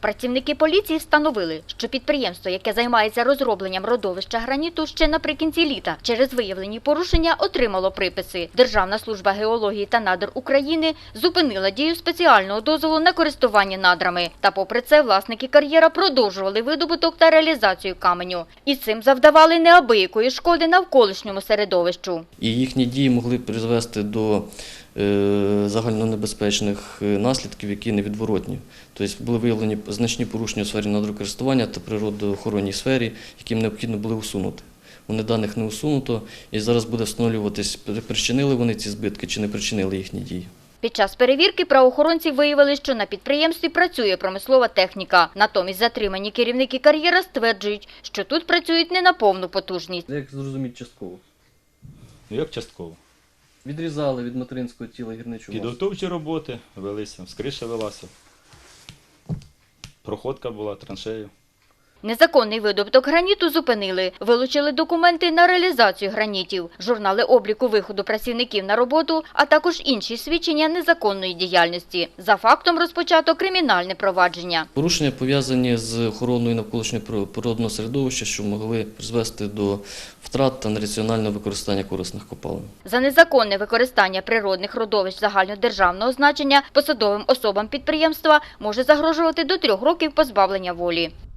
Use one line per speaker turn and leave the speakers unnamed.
Працівники поліції встановили, що підприємство, яке займається розробленням родовища граніту, ще наприкінці літа через виявлені порушення отримало приписи. Державна служба геології та надр України зупинила дію спеціального дозволу на користування надрами. Та попри це власники кар'єра продовжували видобуток та реалізацію каменю. І цим завдавали неабиякої шкоди навколишньому середовищу.
І їхні дії могли призвести до загальнонебезпечних наслідків, які невідворотні. Тобто були виявлені значні порушення у сфері надрокористування та природоохоронній сфері, яким необхідно було усунути. Вони даних не усунуто, і зараз буде встановлюватись, причинили вони ці збитки чи не причинили їхні дії.
Під час перевірки правоохоронці виявили, що на підприємстві працює промислова техніка. Натомість затримані керівники кар'єра стверджують, що тут працюють не на повну потужність.
Як зрозуміти частково?
Як частково?
Відрізали від материнського тіла гірничу масу.
Підготовчі роботи велися, скриша велася, проходка була траншею.
Незаконний видобуток граніту зупинили. Вилучили документи на реалізацію гранітів, журнали обліку виходу працівників на роботу, а також інші свідчення незаконної діяльності. За фактом розпочато кримінальне провадження.
Порушення пов'язані з охороною навколишнього природного середовища, що могли призвести до втрат та нераціонального використання корисних копалин.
За незаконне використання природних родовищ загальнодержавного значення посадовим особам підприємства може загрожувати до 3 років позбавлення волі.